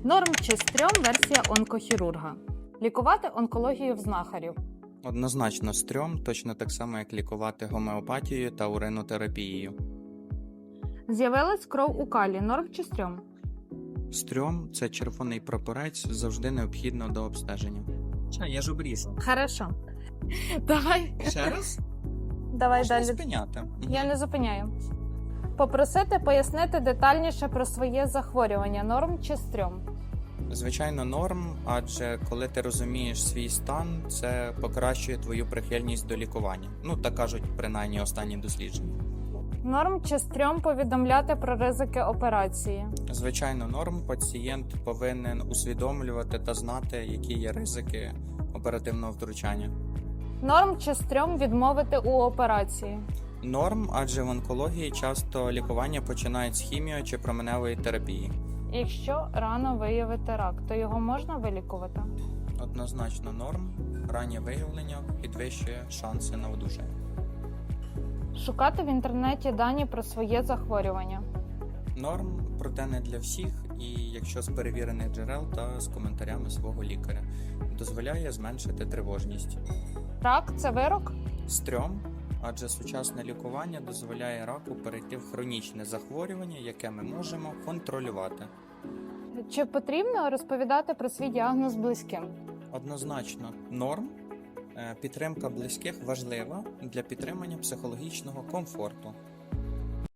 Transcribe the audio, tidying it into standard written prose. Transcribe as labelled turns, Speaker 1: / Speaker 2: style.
Speaker 1: Норм чи стрьом версія онкохірурга. Лікувати онкологію в знахарів.
Speaker 2: Однозначно стрьом, точно так само, як лікувати гомеопатією та уринотерапією.
Speaker 1: З'явилась кров у калі. Норм чи стрьом?
Speaker 2: Стрьом – це червоний прапорець, завжди необхідно до обстеження.
Speaker 3: Я ж обрізав.
Speaker 1: Хорошо. Давай.
Speaker 3: Ще раз?
Speaker 1: Давай
Speaker 2: Можна
Speaker 1: далі.
Speaker 2: спиняти.
Speaker 1: Я не зупиняю. Попросити пояснити детальніше про своє захворювання. Норм чи стрьом?
Speaker 2: Звичайно, норм, адже коли ти розумієш свій стан, це покращує твою прихильність до лікування. Ну, так кажуть, принаймні, останні дослідження.
Speaker 1: Норм чи стрьом повідомляти про ризики операції.
Speaker 2: Звичайно, норм, пацієнт повинен усвідомлювати та знати, які є ризики оперативного втручання.
Speaker 1: Норм чи стрьом відмовити у операції.
Speaker 2: Норм, адже в онкології часто лікування починають з хіміо чи променевої терапії.
Speaker 1: Якщо рано виявити рак, то його можна вилікувати?
Speaker 2: Однозначно норм, раннє виявлення підвищує шанси на одужання.
Speaker 1: Шукати в інтернеті дані про своє захворювання.
Speaker 2: Норм, проте не для всіх, і якщо з перевірених джерел та з коментарями свого лікаря. Дозволяє зменшити тривожність.
Speaker 1: Рак – це вирок?
Speaker 2: Стрьом, адже сучасне лікування дозволяє раку перейти в хронічне захворювання, яке ми можемо контролювати.
Speaker 1: Чи потрібно розповідати про свій діагноз близьким?
Speaker 2: Однозначно, норм. Підтримка близьких важлива для підтримання психологічного комфорту.